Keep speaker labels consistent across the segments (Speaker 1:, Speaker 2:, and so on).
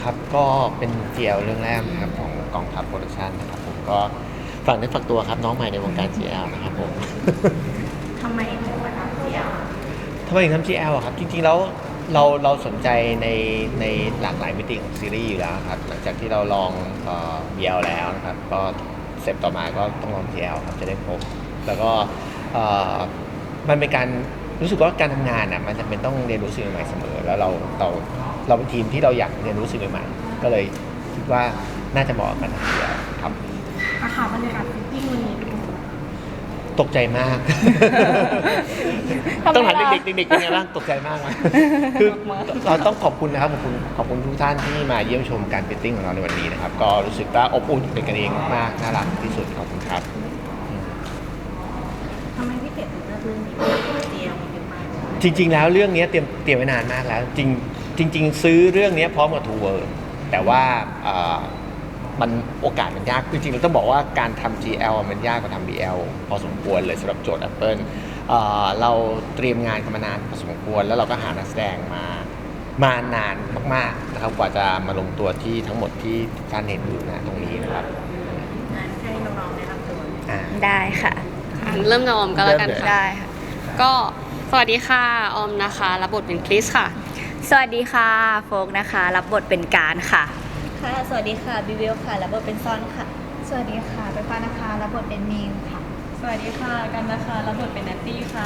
Speaker 1: ครับก็เป็นเจียวเรื่องแรกนะครับของกองทัพโปรดักชันนะครับผมก็ฝากเนื้อฝากตัวครับน้องใหม่ในวงการ GL นะครับผม
Speaker 2: ทำไมถึงมาทำ GL
Speaker 1: ทำไมถึงทำ GL อะครับจริงๆแล้วเราสนใจในหลากหลายมิติของซีรีส์อยู่แล้วครับหลังจากที่เราลองBL แล้วนะครับก็สเต็ปต่อมาก็ต้องลอง GL ครับจะได้พบแล้วก็เอ่อมันเป็นการรู้สึกว่าการทำงานอ่ะมันจะเป็นต้องเรียนรู้สิ่งใหม่ๆเสมอแล้วเราเป็นทีมที่เราอยากเรียนรู้สิ่งใหม่ๆก็เลยคิดว่าน่าจะเหมาะกับการทำ GL ครับ
Speaker 2: อาคาบรรยากาศฟิตติ้งวันนี้เป็นยังไง
Speaker 1: ตกใจมาก ต้องถามเด็กๆเป็นไงบ้างตกใจมากไหมคือเราต้องขอบคุณนะครับขอบคุณทุกท่านที่มาเยี่ยมชมการฟิตติ้งของเราในวันนี้นะครับก็รู้สึกว่าอบอุ่นเป็นกันเองมากน่ารักที่สุดขอบคุณครับ
Speaker 2: ทำไมพี่เป็ดถึงเลือกเรื่องนี้เป็น GL มันเยอะมาก
Speaker 1: จริงๆแล้วเรื่องนี้เตรียมไว้นานมากแล้วจริงซื้อเรื่องนี้พร้อมกับ Two World แต่ว่ามันโอกาสมันยากจริงๆเราต้องบอกว่าการทำ GL มันยากกว่าทำ BL พอสมควรเลยสำหรับโจทย์ Apple เราเตรียมงานกันมานานพอสมควรแล้วเราก็หานักแสดงมานานมากๆนะครับกว่าจะมาลงตัวที่ทั้งหมดที่ทุกท่านเห็นอยู่นะตรงนี้นะครับ
Speaker 2: งานให้น้องๆได้รับตัว
Speaker 3: ได้ค่ะ
Speaker 4: เริ่มกับออมก็แล้วกันค่ะ
Speaker 3: ได้ค่ะ
Speaker 4: ก็สวัสดีค่ะออมนะคะรับบทเป็นคริสค่ะ
Speaker 3: สวัสดีค่ะโฟกนะคะ รับบทเป็นการค่ะ
Speaker 5: ค่ะ สวัสดีค่ะ บิวเวลค่ะ รับบทเป็นซอนค่ะ สวัสดีค่ะไปฟ้านะคะ รับบทเป็นมีนค่ะ
Speaker 6: สวัสดีค่ะกันนะคะ รับบทเป็นแนตตี้ค่ะ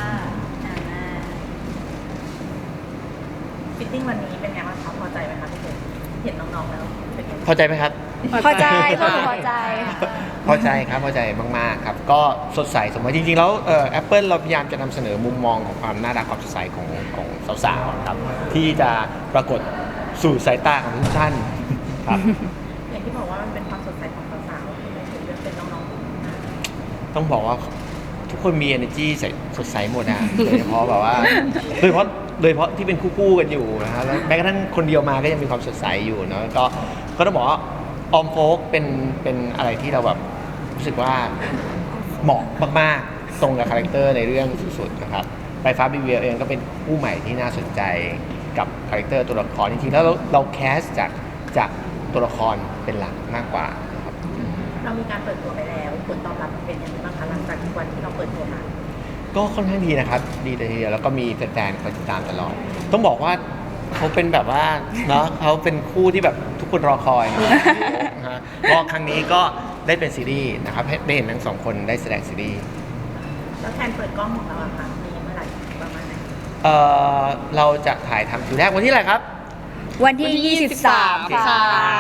Speaker 2: ฟิตติ้งวันนี้เป็นไงบ้างคะพอใจไหมคะพี่เป็ดเห็นน้องๆแล้วเป็นไง
Speaker 1: พอใจไหมครับ
Speaker 3: พอใจพวกหนูพอใจ
Speaker 1: พอใจครับพอใจมากๆครับก็สดใสสมมติจริงๆแล้วApple เราพยายามจะนำเสนอมุมมองของความน่ารักความสดใสของสาวๆครับที่จะปรากฏสู่สายตาของทุกท่านครับ
Speaker 2: อย่างที่บอกว่ามันเป็นความสดใสของสาวๆทำไมถึงเลือกเป็นน้องๆ
Speaker 1: ต้องบอกว่าทุกคนมี energy สดใสหมดนะโดยเฉพาะแบบว่าโดยเฉพาะที่เป็นคู่ๆกันอยู่นะฮะแล้วแม้กระทั่งคนเดียวมาก็ยังมีความสดใสอยู่เนาะก็ต้องบอกว่าออมโฟกเป็นอะไรที่เราแบบรู้สึกว่าเหมาะมากๆตรงกับคาแรคเตอร์ในเรื่องสุดๆนะครับไปฟ้าบีเวลเองก็เป็นผู้ใหม่ที่น่าสนใจกับคาแรคเตอร์ตัวละครจริงๆแล้วเราแคสจากตัวละครเป็นหลักมากกว่านะครับ
Speaker 2: เรามีการเปิดตัวไปแล้วผลตอบรับเป็นยังไงบ้างคะหลังจากวันที่เราเปิดตัวมา
Speaker 1: ก็ค่อนข้างดีนะครับดีเลยทีเดียวแล้วก็มีแฟนๆคอยติดตามตลอดต้องบอกว่าเขาเป็นแบบว่าเนาะเขาเป็นคู่ที่แบบทุกคนรอคอยนะฮะก็ครั้งนี้ก็ได้เป็นซีรีส์นะครับได้เห็นทั้งสองคนได้แสดงซีรีส์
Speaker 2: แล้วแทนเปิดกล้องของเราอะค่ะมีเมื่อไหร่ประมาณไหน
Speaker 1: เราจะถ่ายทำคิวแรกวันที่อะไรครับ
Speaker 3: วันที่ 23 ค่ะ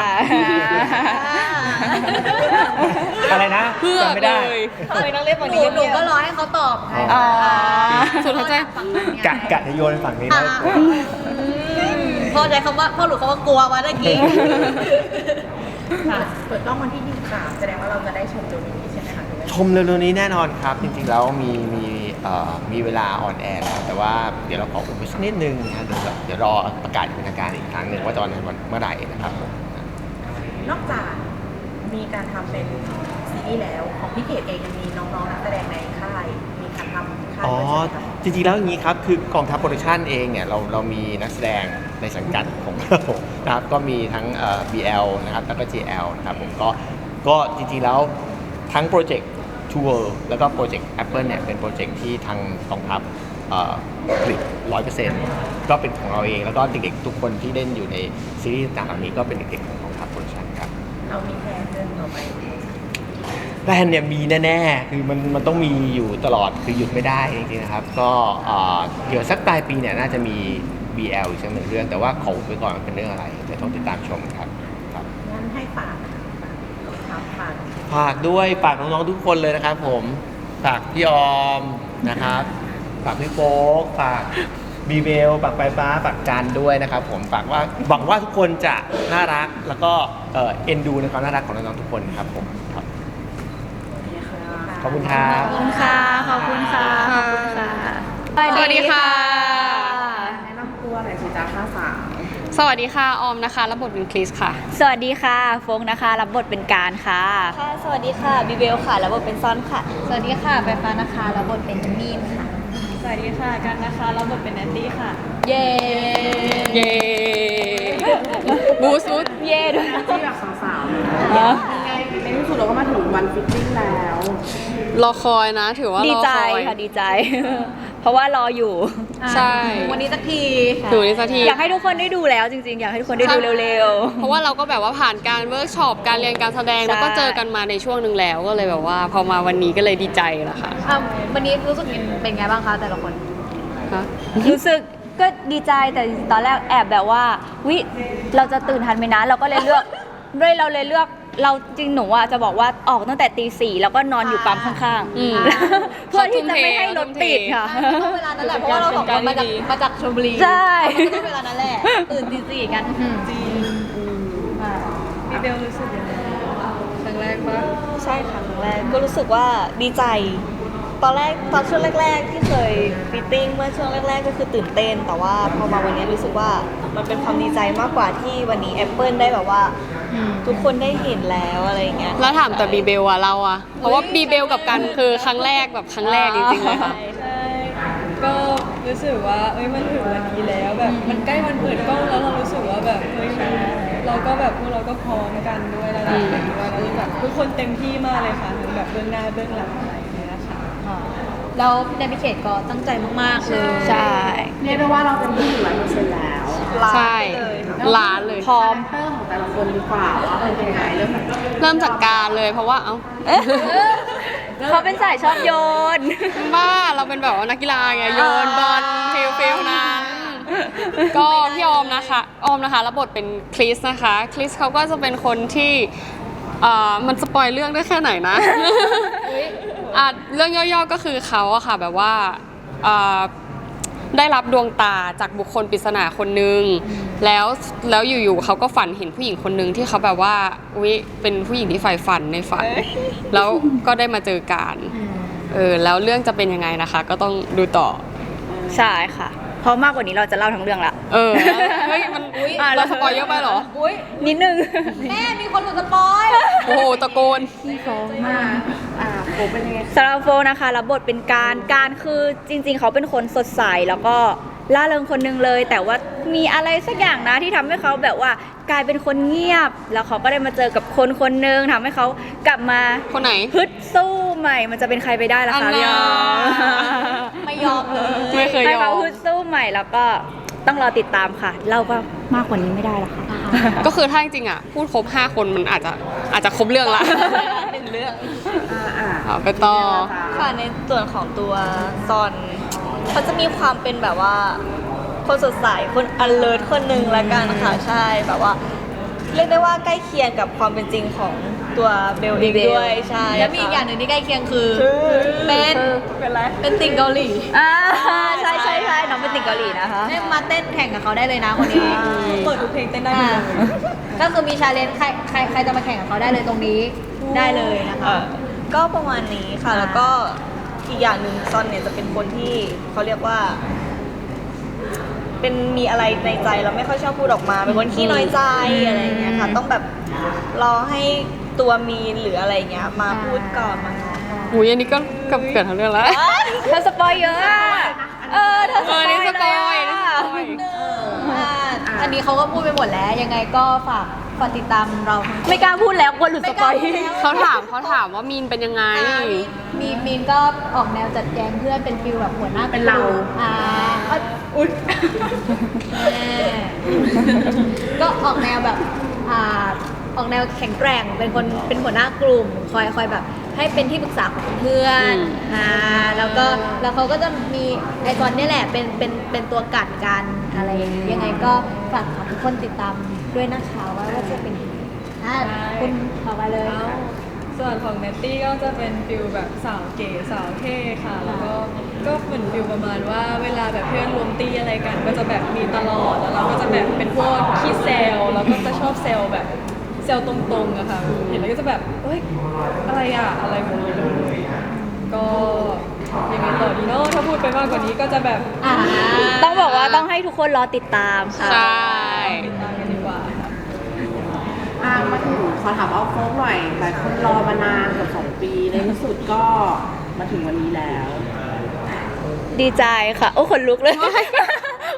Speaker 1: อะไรนะ
Speaker 4: เพื่อ
Speaker 1: จำไม่ได้
Speaker 4: เลย
Speaker 5: ทำไมต้องเรียกแบบนี้หนูก็รอให้เขาตอบค่ะ
Speaker 3: อ๋อ
Speaker 4: สุดท้ายใจ
Speaker 1: กะจะโยนไปฝั่งนี้นะ
Speaker 5: พ่อใจคำว่าพ่อหนูคำว่ากลัวมาเมื่อกี้
Speaker 2: ค่ะเปิดกล้องวันที่23แสดงว่าเราจะได้ชมเร็วนี้ใช่ไหมคะหรือว่า
Speaker 1: ชมเร็วๆนี้แน่นอนครับ จริงๆแล้วมีเวลาออนแอร์แล้วแต่ว่าเดี๋ยวเราขออุบไว้สักนิดนึงนะเดี๋ยวรอประกาศอย่างเป็นทางการอีกครั้งหนึ่งว่าจะวันเมื่อไหร่นะครับผม
Speaker 2: นอกจากมีการทำเป็นซีรีส์แล้วของพี่เขตเองยังมีน้องๆนักแสดงในค่ายมีการทำค่าย
Speaker 1: อ๋อ
Speaker 2: ด้วยใช่ไหมคะ
Speaker 1: จริงๆแล้วอย่างนี้ครับคือกองทัพโปรดักชันเองเนี่ยเรามีนักแสดงในสังกัดของเรานะครับก็มีทั้งBL นะครับแล้วก็ GL นะครับผมก็จริงๆแล้วทั้งโปรเจกต์ Two World แล้วก็โปรเจกต์ Apple เนี่ยเป็นโปรเจกต์ที่ทางกองทัพผลิต 100% ก็เป็นของเราเองแล้วก็เด็กๆทุกคนที่เล่นอยู่ในซีรีส์ต่างๆเหล่านี้ก็เป็นเด็กๆของกองทัพโปรดักชันครับ
Speaker 2: เรามีแผนเรื่องต่อไป
Speaker 1: แบรนด์เนี่ยมีแน่ๆ คือมันต้องมีอยู่ตลอด คือหยุดไม่ได้จริงๆนะครับ ก็เดี๋ยวสักปลายปีเนี่ยน่าจะมี BL อีกสักหนึ่งเรื่อง แต่ว่าขออุบไว้ก่อนว่าเป็นเรื่องอะไรเดี๋ยวต้องติดตามชมครับ
Speaker 2: งั้นให้ฝากฝาก
Speaker 1: ฝากด้วยฝากน้องๆทุกคนเลยนะครับผม ฝากพี่ออมนะครับ ฝากพี่โป๊กฝากบีเบลฝากไฟฟ้าฝากจันด้วยนะครับผมฝากว่าหวังว่าทุกคนจะน่ารักแล้วก็เอ็นดูในความน่ารักของน้องๆทุกคนครับผมครับ ขอบคุณครับ
Speaker 3: ขอบคุณค่ะ ขอบคุณค่ะ ขอบคุณค่ะ
Speaker 4: สวัสดีค่ะ
Speaker 2: แนะนำตัวหน่อยสิจ้าค่าสาว
Speaker 4: สวัสดีค่ะออมนะคะรับบทเป็นคริสค่ะ
Speaker 3: สวัสดีค่ะโฟกนะคะ รับบทเป็นการค่ะ
Speaker 5: ค่ะ สวัสดีค่ะ บิวเวลค่ะ รับบทเป็นซอนค่ะ สวัสดีค่ะไปฟ้านะคะ รับบทเป็นมีนค่ะ
Speaker 6: สวัสดีค่ะกันนะคะ รับบทเป็นแนตตี้ค่ะ
Speaker 5: เย้
Speaker 4: เย้บูสบูส
Speaker 3: เย่ด้วย
Speaker 7: ที่แบบสาวๆยังไงในที่สุดเราก็มาถึงวันฟิตติ้งแล้ว
Speaker 4: รอคอยนะ ถือว่ารอคอย
Speaker 3: ดีใจค่ะดีใจ เพราะว่ารออยู่
Speaker 4: ใช่
Speaker 2: วันนี้สักที
Speaker 4: ถึงนี้สักที
Speaker 3: อยากให้ทุกคนได้ดูแล้วจริงๆ อยากให้ทุกคนได้ดูเร็ว
Speaker 4: เพราะว่าเราก็แบบว่าผ่านการเวิร์กช็อปการเรียนการแสดง
Speaker 3: ใช่
Speaker 4: แล้วก็เจอกันมาในช่วงหนึ่งแล้วก็เลยแบบว่าพอมาวันนี้ก็เลยดีใจละค่ะ
Speaker 5: วันนี้รู้สึกเป็นไงบ้างคะแต่ละคน
Speaker 4: ฮะ
Speaker 3: ๆ รู้สึกก็ดีใจแต่ตอนแรกแอบแบบว่าวิเราจะตื่นทันไหมนะเราก็เลยเลือกเราเลยเลือกเราจริงหนูอ่ะจะบอกว่าออกตั้งแต่ตี 4แล้วก็นอนอยู่ปั๊มข้าง
Speaker 4: อืม
Speaker 3: ๆ เพื่อที่จะไม่ให้รถติดค่ะ
Speaker 5: ต้องเวลานั้นแหละเพราะว่าเราสองคนมาจากชลบุรี
Speaker 3: ใช่
Speaker 5: ก็ต้องเวลานั้นแหละตื่นตี 4กัน
Speaker 6: พี่เบลรู้สึกยังไงครั้งแรกปะ
Speaker 8: ใช่ค่ะครั้งแรกก็รู้สึกว่าดีใจ ตอนช่วงแรกๆที่เคยฟิตติ้งเมื่อช่วงแรกๆก็คือตื่นเต้น แต่ว่าพอมาวันนี้รู้สึกว่ามันเป็นความดีใจมากกว่าที่วันนี้ Apple ได้แบบว่าทุกคนได้เห็นแล้วอะไรอย่างเงี้ย
Speaker 4: แล้วถามแต่บีเบลอะเราอะเพราะว่าบีเบลกับกันคือครั้งแรกแบบครั้งแรกจริงๆเลยค่ะ
Speaker 6: ใช่ก็รู้สึกว่ามันถึงวันนี้แล้วแบบมันใกล้วันเปิดกล้องแล้วเรารู้สึกว่าแบบเราก็แบบพวกเราก็พร้อมกันด้วยระดับหนึ่งด้วยแล้วแบบทุกคนเต็มที่มากเลยค่ะทั้งแบบเบื้องหน้าเบื้องหลังอะไรอย่างเงี้ยนะคะ
Speaker 5: แล้วในพิเขตก็ตั้งใจมากๆเลย
Speaker 3: ใช่
Speaker 7: เรียกได้ว่าเราเต็มที่ถึง100%แล้ว
Speaker 4: ใช่ล้านเลย
Speaker 3: พร้อม
Speaker 7: คาแรคเตอร์ของแต่ละคนดีกว่าว่าเป็นยังไงเริ่มจาก
Speaker 4: เริ่มจากการเลยเพราะว่า
Speaker 3: เขาเป็นสายชอบโยน
Speaker 4: บ้าเราเป็นแบบว่านักกีฬาไงโยนบอลฟิลนั้น ก็พี่ออมนะคะรับบทเป็นคริสนะคะคริสเขาก็จะเป็นคนที่มันสปอยเรื่องได้แค่ไหนนะเรื่องย่อๆก็คือเขาอะค่ะแบบว่าได้รับดวงตาจากบุคคลปริศนาคนนึงแล้วอยู่ๆเขาก็ฝันเห็นผู้หญิงคนนึงที่เขาแบบว่าเป็นผู้หญิงที่ใฝ่ฝันในฝัน แล้วก็ได้มาเจอกันแล้วเรื่องจะเป็นยังไงนะคะ ก็ต้องดูต่อ
Speaker 3: ใช่ค่ะ เพราะมากกว่านี้เราจะเล่าทั้งเรื่องละ
Speaker 4: เฮ้ยมันเราสปอยเยอะไปเหรอ
Speaker 3: นิดนึง
Speaker 5: แม่มีคนหลุดสปอย
Speaker 4: โอ้โหตะโกน
Speaker 7: โอ้เป็นยังไง
Speaker 3: สำหรับโฟนะคะรับบทเป็นการคือจริงๆ เขาเป็นคนสดใสแล้วก็ล่าเริงคนหนึงเลย แต่ว่ามีอะไรสักอย่างนะที่ทำให้เขาแบบว่ากลายเป็นคนเงียบ แล้วเขาก็ได้มาเจอกับคนคนหนึงทำให้เขากลับมา
Speaker 4: คนไหน
Speaker 3: ฮึดสู้ใหม่ มันจะเป็นใครไปได้ล่ะ
Speaker 4: อั
Speaker 3: คะ
Speaker 4: น
Speaker 3: พี่
Speaker 4: น่ะ
Speaker 3: ออม
Speaker 5: ไม่ยอมเลย
Speaker 4: ไม่เคย
Speaker 3: ให้
Speaker 4: ยอ
Speaker 3: เขา
Speaker 4: ม
Speaker 3: ฮึดสู้ใหม่แล้วก็ต้องรอติดตามค่ะ เราก็มากกว่านี้ไม่ได้ละค่ะ
Speaker 4: ก็คือถ้าจริงๆอ่ะพูดครบ5คนมันอาจจะครบเรื่องละ
Speaker 8: เป็นเรื่อง
Speaker 4: เอาไปต่อ
Speaker 8: ค่ะในส่วนของตัวซอนเขาจะมีความเป็นแบบว่าคนสดใสคน alert คนหนึ่งละกันค่ะใช่แบบว่า เรียกได้ว่าใกล้เคียงกับความเป็นจริงของตัวเบลเองด้วยใช่
Speaker 5: แล้วมีอีกอย่างหนึ่งที่ใกล้เคียงคือ
Speaker 8: เป็นไร
Speaker 5: เป็นติ่งเกาหลี
Speaker 3: ใช่ใช่ใช่น้องเป็นติ่งเกาหลีนะคะ
Speaker 5: ให้มาเต้นแข่งกับเขาได้เลยนะคนนี้
Speaker 6: เปิดทุกเพลงเต้นได้หมดเลย
Speaker 5: ก็คือมีชาเลนจ์ใครจะมาแข่งกับเขาได้เลยตรงนี้ได้เลยนะคะ
Speaker 8: ก็ประมาณนี้ค่ะ แล้วก็อีกอย่างหนึ่งซอนเนี่ยจะเป็นคนที่เขาเรียกว่า เป็นมีอะไรในใจแล้วไม่ค่อยชอบพูดออกมา เป็นคนขี้น้อยใจอะไรอย่างเงี้ยค่ะ ต้องแบบรอให้ตัวมีนหรืออะไรอย่างเงี้ยมาพูดก่อนมาง้อก่อน
Speaker 4: อุ้ยอันนี้ก็เกือบทั้งเรื่องแล้ว
Speaker 3: เธอสปอยเยอะอะเธอสปอย
Speaker 4: นี่สปอย
Speaker 3: เลย
Speaker 4: นี่
Speaker 3: อะ
Speaker 4: สปอย
Speaker 5: อันนี้เขาก็พูดไปหมดแล้ว ยังไงก็ฝากติดตามเราทั้ง
Speaker 3: ไม่กล้าพูดแล้วกลัวหลุดสปอย
Speaker 4: เขาถามว่ามีนเป็นยังไง
Speaker 5: มีนก็ออกแนวจัดแจงเพื่อนเป็นฟิลแบบหัวหน้า
Speaker 7: เป็นเรา
Speaker 5: อุ๊ยก็ออกแนวแบบออกแนวแข็งแกร่งเป็นหัวหน้ากลุ่มคอยแบบให้เป็นที่ปรึกษาของเพื่อนแล้วเขาก็จะมีไอคอนนี่แหละเป็นตัวกัดกันอะไรอย่างเงี้ยยังไงก็ฝากทุกคนติดตามด้วยนะคะว่าจะเป็นยังไงคุณต่อไปเลย
Speaker 6: ส่วนของเนตตี้ก็จะเป็นฟิลแบบสาวเก๋สาวเท่ค่ะ แล้วก็เหมือนฟิลประมาณว่าเวลาแบบเพื่อนรวมตีอะไรกัน ก็จะแบบมีตลอดแล้วเราก็จะแบบเป็นพวกขี้เซลแล้วก็จะชอบเซลแบบเซลตรงๆอะค่ะเห็นแล้วก็จะแบบเฮ้ยอะไรอะอะไรแบบนี้เลยก็ยังไงต่อดีเนาะถ้าพูดไปมากกว่านี้ก็จะแบบ
Speaker 3: ต้องบอกว่าต้องให้ทุกคนรอติดตามค่ะ
Speaker 4: ใช่
Speaker 6: ติดตามกันดีกว่าค่ะ
Speaker 7: มาถึงขอถามเอาโฟกหน่อยหลายคนรอมานานเกือบ2 ปีในที่สุดก็มาถึงวันนี้แล้ว
Speaker 3: ดีใจค่ะ โอ้ขนลุกเลย ข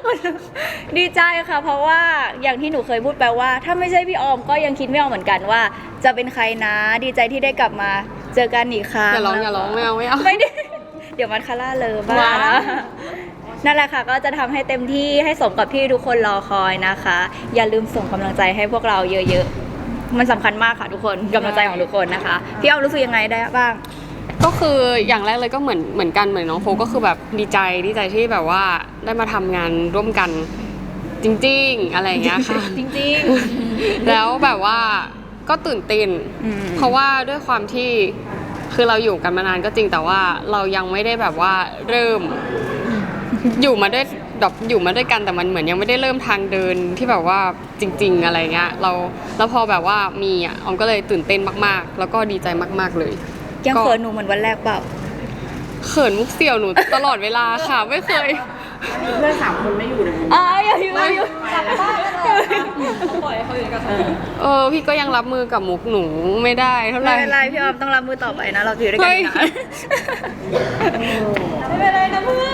Speaker 3: ดีใจค่ะ เพราะว่าอย่างที่หนูเคยพูดไปว่า ถ้าไม่ใช่พี่ออมก็ยังคิดไม่ออกเหมือนกันว่า จะเป็นใครนะ ดีใจที่ได้กลับมาเจอกันอีกครั้ง
Speaker 4: อย่าร้องไม่เอา
Speaker 3: ไม่ได้ เดี๋ยวมันคาร่าเลยบ้าง
Speaker 4: ว้าว
Speaker 3: นะนั่นแหละค่ะก็จะทำให้เต็มที่ให้สมกับที่ทุกคนรอคอยนะคะ อย่าลืมส่งกำลังใจให้พวกเราเยอะๆมันสำคัญมากค่ะทุกคนกำลังใจของทุกคนนะคะพี่ออมรู้สึกยังไงได้บ้าง
Speaker 4: ก็คืออย่างแรกเลยก็เหมือนกันเหมือนน้องโฟก็คือแบบดีใจที่แบบว่าได้มาทำงานร่วมกันจริงๆอะไรอย่างเงี้ยค่ะ
Speaker 5: จริง
Speaker 4: แล้วแบบว่าก็ตื่นเต้น
Speaker 3: อืม
Speaker 4: เพราะว่าด้วยความที่คือเราอยู่กันมานานก็จริงแต่ว่าเรายังไม่ได้แบบว่าเริ่มอยู่มาด้วยแบบอยู่มาด้วยกันแต่มันเหมือนยังไม่ได้เริ่มทางเดินที่แบบว่าจริง ๆอะไรเงี้ยแล้วพอแบบว่ามีอ่ะออมก็เลยตื่นเต้นมากๆ แล้วก็ดีใจมากๆเลย
Speaker 3: ยังเขินหนูเหมือนวันแรกเปล่า
Speaker 4: เขินมุกเสี่ยวหนูตลอดเวลาค่ะไม่เคย
Speaker 7: เพื่อน3 คนไม่อยู่ในมุม
Speaker 3: อย่าอยู่
Speaker 5: ๆกลับบ้านกันเลย
Speaker 6: ปล่อยให้เขาอยู่กับ
Speaker 4: พี่ก็ยังรับมือกับมุกหนูไม่ได้เท่าไห
Speaker 3: ไม่
Speaker 4: ร่
Speaker 3: เป็นไรพี่ออมต้องรับมือต่อไปนะ เราอยู่ด้วยกันอีกนะ
Speaker 5: ไม่เป็นไรนะเพื่อน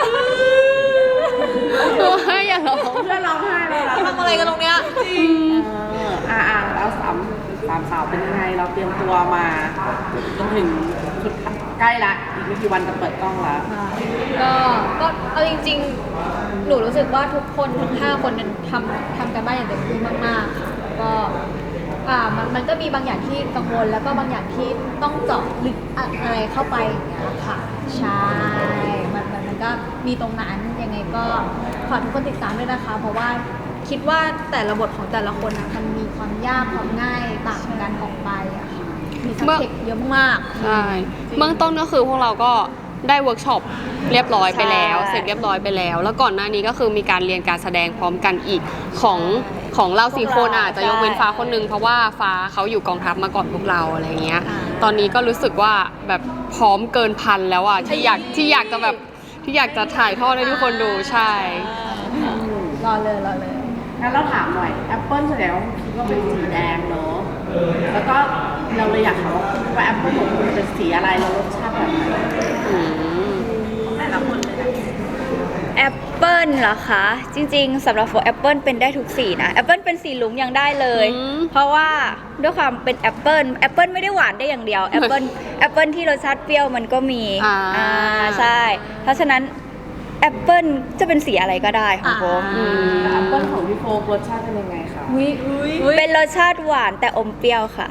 Speaker 4: อย่าร้อง
Speaker 7: เพื่อนร้องไห้แล้วนะ
Speaker 5: ทำอะไรกันตรงเนี้ย
Speaker 7: แล้วสามสาวเป็นยังไงเราเตรียมตัวมาจนถึงสุดใกล้ละอีกไม่กี่วันจะเปิดกล้องแล้ว
Speaker 5: ก็เอาจริงๆ หนูรู้สึกว่าทุกคนทั้ง5 คนนั้นทำกันบ้านอย่างเต็มที่มากๆค่ะแล้วก็มันก็มีบางอย่างที่กังวลแล้วก็บางอย่างที่ต้องเจาะลึกอะไรเข้าไปอย่างเงี้ยค่ะใช่มันก็มีตรงนั้นยังไงก็ฝากทุกคนติดตามด้วยนะคะ เพราะว่าคิดว่าแต่ละบทของแต่ละคนอ่ะมันมีความยากความง่ายต่างกันออกไปอะค่ะมีสับเทคเยอะมาก
Speaker 4: ใช่เบื้องต้นก็คือพวกเราก็ได้เวิร์กช็อปเรียบร้อยไปแล้ว
Speaker 3: ใช่
Speaker 4: เสร็จเรียบร้อยไปแล้ว แล้วก่อนหน้านี้ก็คือมีการเรียนการแสดงพร้อมกันอีกของเรา4 คนอาจจะยกเว้นฟ้าคนนึงเพราะว่าฟ้าเขาอยู่กองทัพมาก่อนพวกเราอะไรเงี้ยตอนนี้ก็รู้สึกว่าแบบพร้อมเกินพันแล้วอ่ะที่อยากจะแบบที่อยากจะถ่ายทอดให้ทุกคนดูใช่
Speaker 5: รอเลย
Speaker 7: งั้นเราถามหน่อยแอปเปิลแสดงว่าคิดว่าเป็นสีแดงเนอะแล้วก็เราเลยอยากถามว่าแอปเปิลของคุณเป็นสีอะไรแล้วรสชาติแบบไหน
Speaker 2: แต่ละคนเลยนะ
Speaker 3: แอปเปิลเหรอคะ จริงๆสำหรับโฟแอปเปิลเป็นได้ทุกสีนะแอปเปิลเป็นสีลุ้งยังได้เลย เพราะว่าด้วยความเป็นแอปเปิลไม่ได้หวานได้อย่างเดียวแอปเปิลที่รสชาติเปรี้ยวมันก็มี ใช่ เพราะฉะนั้นแอปเปิลจะเป็นสีอะไรก็ได้ของผม
Speaker 7: แต่แอปเปิลของพี่โฟกรสชาติเป็นยังไงคะ
Speaker 3: เป็นรสชาติหวานแต่อมเปรี้ยวค่ะ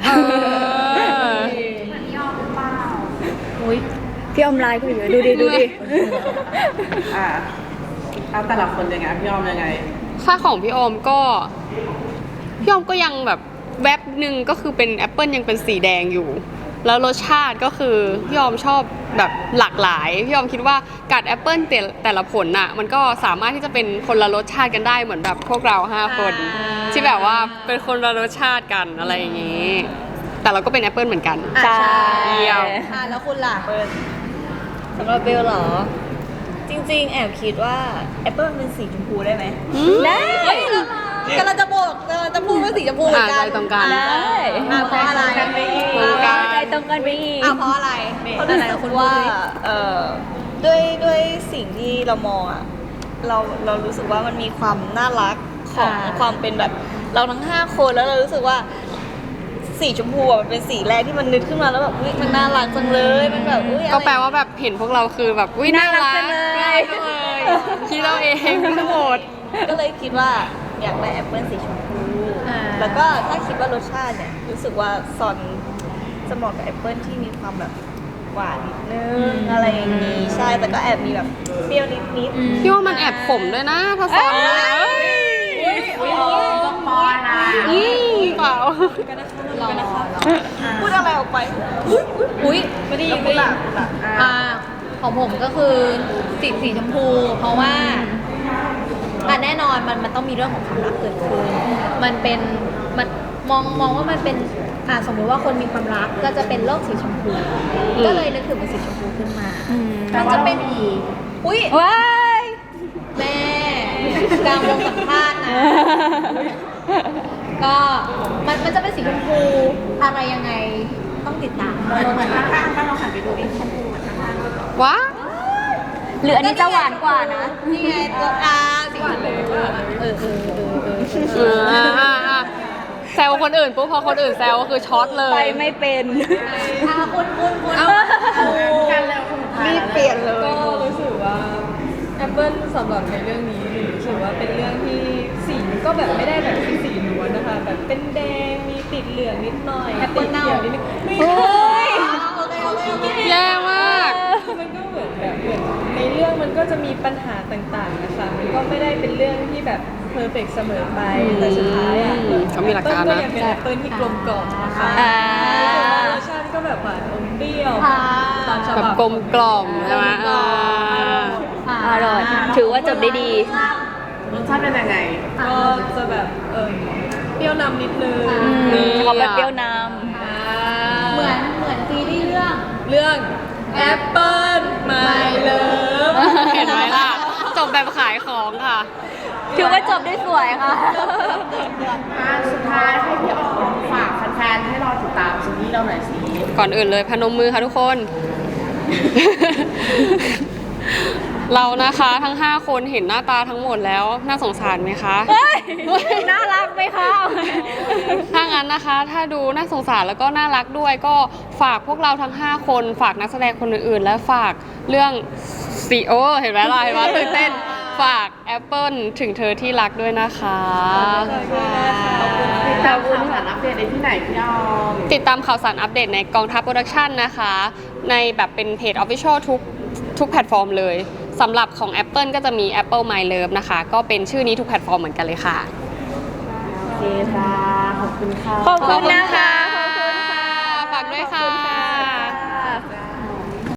Speaker 3: พี่อมลายก็อยู่ดูดิ
Speaker 7: เอาแต่ละคนยังไงพี่ออมยังไง
Speaker 4: ค่าของพี่ออมก็ยังแบบแวบหนึ่งก็คือเป็นแอปเปิลยังเป็นสีแดงอยู่ แล้วรสชาติก็คือพี่ออมชอบแบบหลากหลายพี่ออมคิดว่ากัดแอปเปิลแต่ละผลน่ะมันก็สามารถที่จะเป็นคนละรสชาติกันได้เหมือนแบบพวกเรา5 คนที่แบบว่าเป็นคนละรสชาติกันอะไรอย่างนี้แต่เราก็เป็นแอปเปิลเหมือนกัน
Speaker 3: ใช่
Speaker 4: เยี่ยม
Speaker 5: แล้วคุณล่ะ
Speaker 8: สำหรับเบลเหรอ จริงๆ แอบคิดว่าแอปเปิลเป็นสีชมพูได้ไหม
Speaker 3: ได้
Speaker 5: กำลังจะพูดว่าสีชมพูเหมือนกัน
Speaker 4: ใจตรงกัน
Speaker 3: ได้
Speaker 5: เพราะอะไร
Speaker 3: ใจตรงกันไปอีก
Speaker 5: เพราะอะไร
Speaker 8: เพราะรู้สึกว่าด้วยสิ่งที่เรามองอะเรารู้สึกว่ามันมีความน่ารักของความเป็นแบบเราทั้ง5 คนแล้วเรารู้สึกว่าสีชมพูอะมันเป็นสีแรกที่มันนึกขึ้นมาแล้วแบบอุ๊ยมันน่ารักจังเลยมันแบบอุ๊ยอะไร
Speaker 4: ก็แปลว่าแบบเห็นพวกเราคือแบบอุ้ยน่ารัก
Speaker 3: น่ารักจังเลย
Speaker 4: น่ารักจังเลยคิดเราเองทั้งหมด
Speaker 8: ก็เลยคิดว่าอยากได้แอปเปิลสีชมพูแล้วก็ถ้าคิดว่ารสชาติเนี่ยรู้สึกว่าซอนจะเหมาะกับแอปเปิลที่มีความแบบหวานนิดนึงอะไรอย่างนี้ใช่แต่ก็แอบมีแบบเปรี้ยวนิด
Speaker 4: พี่ว่ามันแอบขมด้วยนะถ้าซ้อนนะ
Speaker 7: ต้องปอยนะ
Speaker 4: เปล่า
Speaker 8: พูดอะไรออกไป
Speaker 5: อุ้ยไม่ได้ยินไม่ได้ยินของผมก็คือสีชมพู เพราะว่าแน่นอนมันต้องมีเรื่องของความรักเกิดขึ้นมันมองว่ามันเป็นสมมุติว่าคนมีความรักก็จะเป็นโลกสีชมพู ก็เลยนึกถึงเป็นสีชมพูขึ้นมามันจะเป็นอุ้ย
Speaker 3: ว้าย
Speaker 5: แม่กลางวงสัมภาษณ์นะ ก็มันจะเป็นสีชมพูอะไรยังไงต้องติดตาม
Speaker 2: เหมือนข้างๆก็ลองหันไปดูดิชมพูเหมือนข้างๆ
Speaker 4: ว้า
Speaker 3: หรืออันนี้จะหวานกว่านะ
Speaker 5: นี่ไงตัวสี
Speaker 6: หวานเลยหวานเลย
Speaker 4: แซวคนอื่นปุ๊บพอคนอื่นแซวก็คือช็อตเลย
Speaker 3: ไปไม่เป็น
Speaker 7: กันแล้วคนสุดท้าย
Speaker 3: รีบเปลี่ยนเลย
Speaker 6: ก็รู้สึกว่าแอปเปิลสำหรับในเรื่องนี้หนูรู้สึกว่าเป็นเรื่องที่สีก็แบบไม่ได้แบบเป็นสีล้วนนะคะแบบเป็นแดงมีติดเหลืองนิดหน่อยติดเขียวนิดนึงไม่
Speaker 3: เฮ้ย
Speaker 4: แย่มาก
Speaker 6: มันก็เหมือนในเรื่องมันก็จะมีปัญหาต่างๆนะคะมันก็ไม่ได้เป็นเรื่องที่แบบเพอร์เฟกเสมอไปแต่สุดท้ายอ่ะ
Speaker 4: เขามีหลักการนะ
Speaker 6: แอปเปิ้ลก็ยังเป็นแอปเปิ้ลที่กลมกล่อมนะคะ
Speaker 3: อ่า
Speaker 6: รสชาติก็แบบหวานอมเปรี้ยวตามฉ
Speaker 4: แบบ
Speaker 6: บับ
Speaker 4: กลมกล่อมใช่ไหม
Speaker 3: อร่อย ถือว่าจบได้ดี
Speaker 7: รสชาติเป็นยังไง
Speaker 6: ก็จะแบบเปรี้ยวนำนิดนึง
Speaker 3: เขาเป็นเปรี้ยวน้
Speaker 5: เหมือนซีรีส์เรื่อง
Speaker 6: เรื่องแอปเปิ้ลไม่เลิฟ
Speaker 4: เห็นไหมล่ะ จบแบบขายของค่ะ
Speaker 3: ำถือว่าจบได้สวยค่ะ
Speaker 7: สุดท้ายให้พี่ออมฝากแฟนๆให้รอติดตามซีรีส์เราหน่อยสิ
Speaker 4: ก่อนอื่นเลยพนมมือค่ะทุกคน เรานะคะทั้ง 5 คนเห็นหน้าตาทั้งหมดแล้วน่าสงสารไหมคะ
Speaker 3: เฮ้ย น่ารักไหมคะ
Speaker 4: ถ้างั้นนะคะ ถ้าดูน่าสงสารแล้วก็น่ารักด้วยก็ฝากพวกเราทั้ง 5 คนฝากนักแสดงคนอื่นๆ และฝากเรื่องซีโอเห็นไหมล่ะเห็นไหมตื่นเต้นฝากแอปเปิลถึงเธอที่รักด้วยนะคะ
Speaker 7: ติดตามข่าวสารอัปเดตได้ที่ไหนพี่ออม
Speaker 4: ติดตามข่าวสารอัปเดตในกองทัพโปรดักชันนะคะ ในแบบเป็นเพจ Official ทุกแพลตฟอร์มเลยสำหรับของ Apple ก็จะมี Apple My Love นะคะ ก็เป็นชื่อนี้ทุกแพลตฟอร์มเหมือนกันเลยค่ะ
Speaker 7: โอเคค่ะ ขอบคุณค่ะ
Speaker 3: ขอบคุณนะคะ
Speaker 4: ฝากด้วยค่ะ